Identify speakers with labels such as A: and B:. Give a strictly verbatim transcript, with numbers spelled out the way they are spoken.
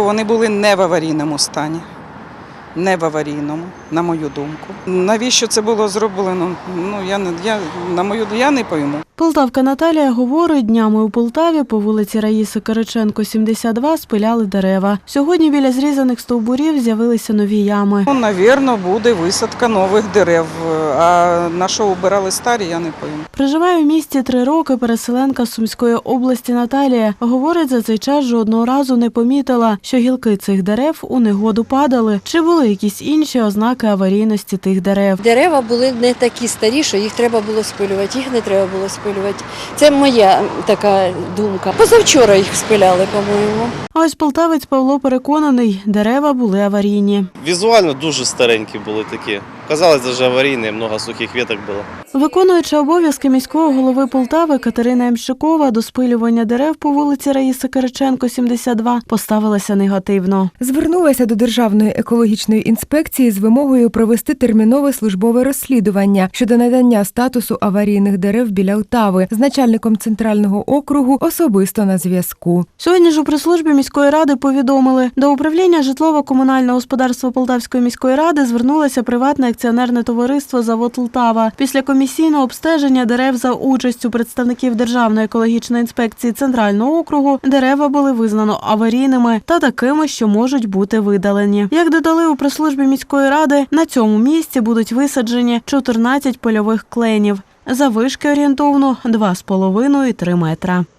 A: вони були не в аварійному стані. Не в аварійному, на мою думку. Навіщо це було зроблено? Ну, я не, я, на мою, я не пойму.
B: Полтавка Наталія говорить, днями у Полтаві по вулиці Раїси Кириченко, сімдесят два, спиляли дерева. Сьогодні біля зрізаних стовбурів з'явилися нові ями.
A: Ну, навірно, буде висадка нових дерев, а на що убирали старі, я не пойму.
B: Проживає в місті три роки переселенка з Сумської області Наталія. Говорить, за цей час жодного разу не помітила, що гілки цих дерев у негоду падали. Чи були якісь інші ознаки аварійності тих дерев?
C: Дерева були не такі старі, що їх треба було спилювати, їх не треба було спилювати. Це моя така думка. Позавчора їх спиляли, по-моєму.
B: А ось полтавець Павло переконаний, дерева були аварійні.
D: Візуально дуже старенькі були такі. Казалось, навіть аварійні, багато сухих веток було.
B: Виконуюча обов'язки міського голови Полтави Катерина Ямщикова до спилювання дерев по вулиці Раїси Кириченко, сімдесят два, поставилася негативно.
E: Звернулася до Державної екологічної інспекції з вимогою провести термінове службове розслідування щодо надання статусу аварійних дерев біля Отави з начальником центрального округу особисто на зв'язку.
B: Сьогодні ж у прес-службі міської ради повідомили, до управління житлово-комунального господарства Полтавської міської ради звернулося приватне акціонерне товариство «Завод Лтава». Після комісійного обстеження дерев за участю представників Державної екологічної інспекції Центрального округу дерева були визнано аварійними та такими, що можуть бути видалені. Як додали у прес-службі міської ради, на цьому місці будуть висаджені чотирнадцять польових кленів. Заввишки орієнтовно два з половиною - три метра.